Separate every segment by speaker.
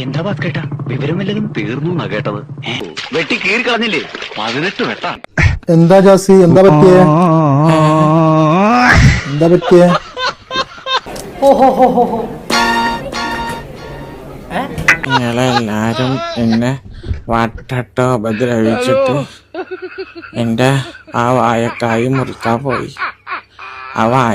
Speaker 1: എന്താ കേട്ടാ വിവരമില്ലതും തീർന്നു എന്നാ കേട്ടത്. വെട്ടി കീറി കളഞ്ഞില്ലേ 18 വെട്ടാ.
Speaker 2: എന്താ ജാസി, എന്താ പറ്റിയേ? എന്താ പറ്റിയേ?
Speaker 3: നിങ്ങളെല്ലാരും എന്നെ വട്ടട്ടോ ഉപദ്രവിച്ചിട്ട് എന്റെ ആ വായക്കായി മുറിക്കാൻ പോയി. ആ വായ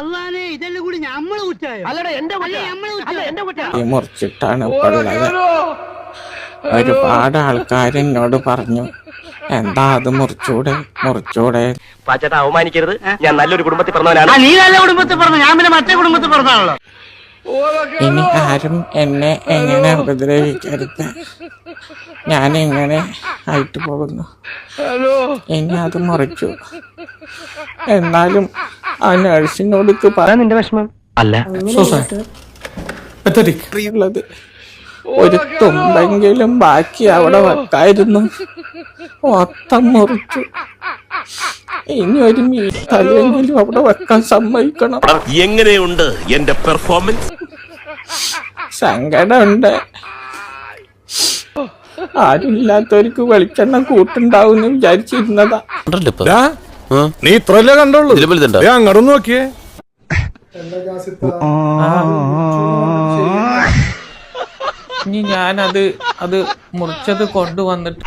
Speaker 3: മുറിച്ചിട്ടാണ് ഇപ്പോൾ ഉള്ളത്. ഒരുപാട് ആൾക്കാർ എന്നോട് പറഞ്ഞു, എന്താ അത് മുറിച്ചൂടെ മുറിച്ചൂടെ.
Speaker 4: പാച്ചേട്ടാ അവമാനിക്കരുത്, ഞാൻ നല്ലൊരു കുടുംബത്തിൽ പറഞ്ഞവനാണ്.
Speaker 5: നീ നല്ല കുടുംബത്തിൽ പറഞ്ഞു, ഞാൻ പിന്നെ മറ്റേ കുടുംബത്തിൽ പറഞ്ഞാണല്ലോ.
Speaker 3: ഇനി ആരും എന്നെ എങ്ങനെ ഉപദ്രവിക്കരുത്. ഞാൻ എങ്ങനെ ആയിട്ട് പോകുന്നു. ഇനി അത് മുറിച്ചു. എന്നാലും ആ നഴ്സിനോട് പറയാൻ നിന്റെ വിഷമം
Speaker 1: അല്ല
Speaker 3: ഉള്ളത് ഒരു തുമ്പെങ്കിലും ബാക്കി അവിടെ വെക്കായിരുന്നു. മൊത്തം മുറിച്ചു. ഇനി ഒരു മീറ്റല്ലെങ്കിലും അവിടെ വെക്കാൻ സമ്മതിക്കണം.
Speaker 6: എങ്ങനെയുണ്ട് എന്റെ പെർഫോമൻസ്?
Speaker 3: സങ്കടമുണ്ട്. ആരുമില്ലാത്തവർക്ക് വെളിച്ചെണ്ണ കൂട്ടുണ്ടാവും വിചാരിച്ചിരുന്നതാ.
Speaker 6: നീ ഇത്രല്ലേ കണ്ടുള്ളൂ, അങ്ങോട്ടൊന്ന് നോക്കിയേ.
Speaker 3: ഇനി ഞാനത് മുറിച്ചത് കൊണ്ടുവന്നിട്ട്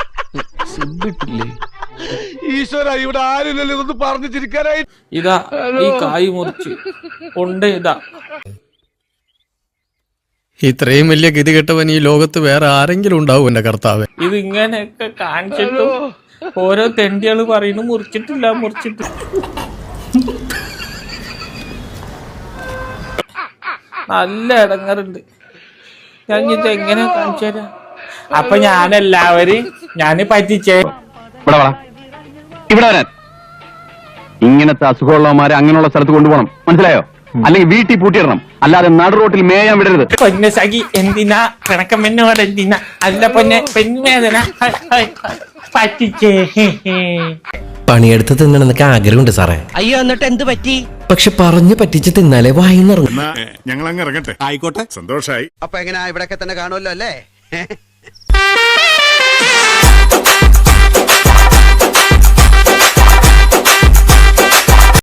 Speaker 6: ഈശ്വര, ഇവിടെ ആരുമില്ലല്ലോ ഇതൊന്ന് പറഞ്ഞു ചിരിക്കാനായി.
Speaker 3: ഇതാ ഈ കായ് മുറിച്ച് കൊണ്ട് ഇതാ.
Speaker 7: ഇത്രയും വലിയ ഗതികെട്ടവൻ ഈ ലോകത്ത് വേറെ ആരെങ്കിലും ഉണ്ടാവും എന്റെ കർത്താവ്.
Speaker 3: ഇത് ഇങ്ങനെയൊക്കെ കാണിച്ചിട്ടും ഓരോ തെണ്ടികള് പറയുന്നു മുറിച്ചിട്ടില്ല മുറിച്ചിട്ടില്ല. നല്ല ഇടങ്ങറുണ്ട്. ഞാൻ ഇത് എങ്ങനെ കാണിച്ചു തരാം? അപ്പൊ ഞാന് പറ്റിച്ചേ.
Speaker 1: ഇവിടെ വരാൻ ഇങ്ങനത്തെ അസുഖമുള്ളവന്മാരെ അങ്ങനെയുള്ള സ്ഥലത്ത് കൊണ്ടുപോകണം, മനസ്സിലായോ? അല്ലെങ്കിൽ വീട്ടിൽ പൂട്ടിയിടണം, അല്ലാതെ നടു റോട്ടിൽ മേയാൻ വിടരുത്.
Speaker 3: പൊന്നെ സഖി, എന്തിനാ പിണക്കമെന്നോട്? എന്തിനാ? അല്ല പൊന്നെ, പെൺവേദന പറ്റിച്ചേ.
Speaker 8: പണിയെടുത്ത് തിന്നണമെന്നൊക്കെ ആഗ്രഹമുണ്ട് സാറേ.
Speaker 5: അയ്യോ, എന്നിട്ട് എന്ത് പറ്റി?
Speaker 8: പക്ഷെ പറഞ്ഞു പറ്റിച്ച് തിന്നാലേ വായിന്നിറങ്ങും.
Speaker 6: ഞങ്ങൾ അങ്ങ് ഇറങ്ങട്ടെ. ആയിക്കോട്ടെ, സന്തോഷായി.
Speaker 9: അപ്പൊ എങ്ങനെയാ, ഇവിടൊക്കെ തന്നെ കാണുമല്ലോ അല്ലേ?